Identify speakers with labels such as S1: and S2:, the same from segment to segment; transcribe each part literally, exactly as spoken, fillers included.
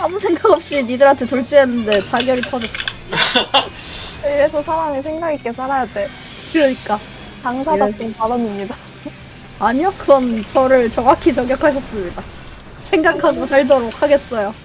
S1: 아무 생각 없이 니들한테 돌진했는데 자결이 터졌어.
S2: 이래서 사람이 생각 있게 살아야 돼.
S1: 그러니까.
S2: 당사자성 발언입니다.
S1: 아니요, 그건 저를 정확히 저격하셨습니다. 생각하고 살도록 하겠어요.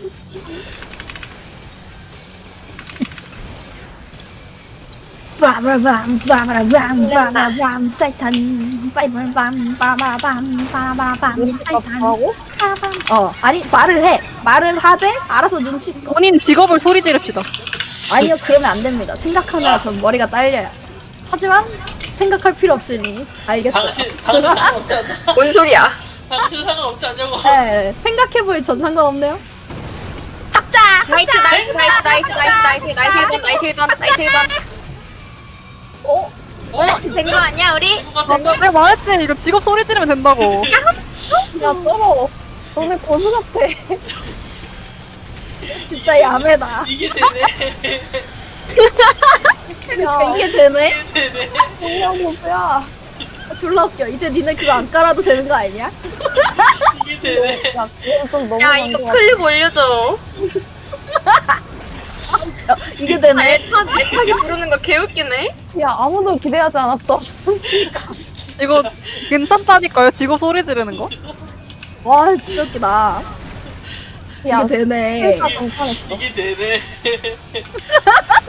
S1: 빠바밤 빠바밤 빠바밤 타이탄 빠바밤 빠바밤 빠바밤 타이탄.
S2: 뭐라고?
S1: 빠밤. 어, 아니 말을 해. 말을 하되 알아서 눈치.
S3: 본인 직업을 소리 지릅시다.
S1: 아니요, 그러면 안 됩니다. 생각하느라 전 머리가 딸려요. 하지만 생각할 필요 없으니 알겠어요.
S4: 당신 당신 상관없지 않나?
S5: 뭔 소리야?
S4: 당신 상관없지 않냐고.
S1: 네, 생각해볼 전 상관없네요. 학자!
S5: 나이트 나이트 나이트 나이트 나이트 나이트 나이트 일 번 나이트 일 번 나이트 일 번. 어? 어? 된 거 아니야 우리?
S4: 된것 같은데?
S3: 내가 말했지 이거 직업 소리 지르면 된다고.
S2: 야, 떨어. 너네 고수 같아.
S1: 진짜 야매다.
S4: 이게 되네.
S1: 그러니까 이게 되네?
S4: 이게 되네.
S2: 뭐야, 고수야.
S1: 졸라 웃겨. 이제 니네 그거 안 깔아도 되는 거 아니야?
S4: 이게 되네.
S2: 야, 그건 좀 너무
S5: 야
S2: 많은
S5: 이거
S2: 것 같아.
S5: 클립 올려줘.
S1: 야, 이게 되네?
S5: 애타 애타게 부르는 거 개웃기네.
S2: 야, 아무도 기대하지 않았어.
S3: 이거 괜찮다니까요. 직업 소리 지르는 거.
S1: 와, 진짜 웃기다.
S2: 야,
S1: 이게 되네.
S2: 괜찮았어.
S4: 이게 되네.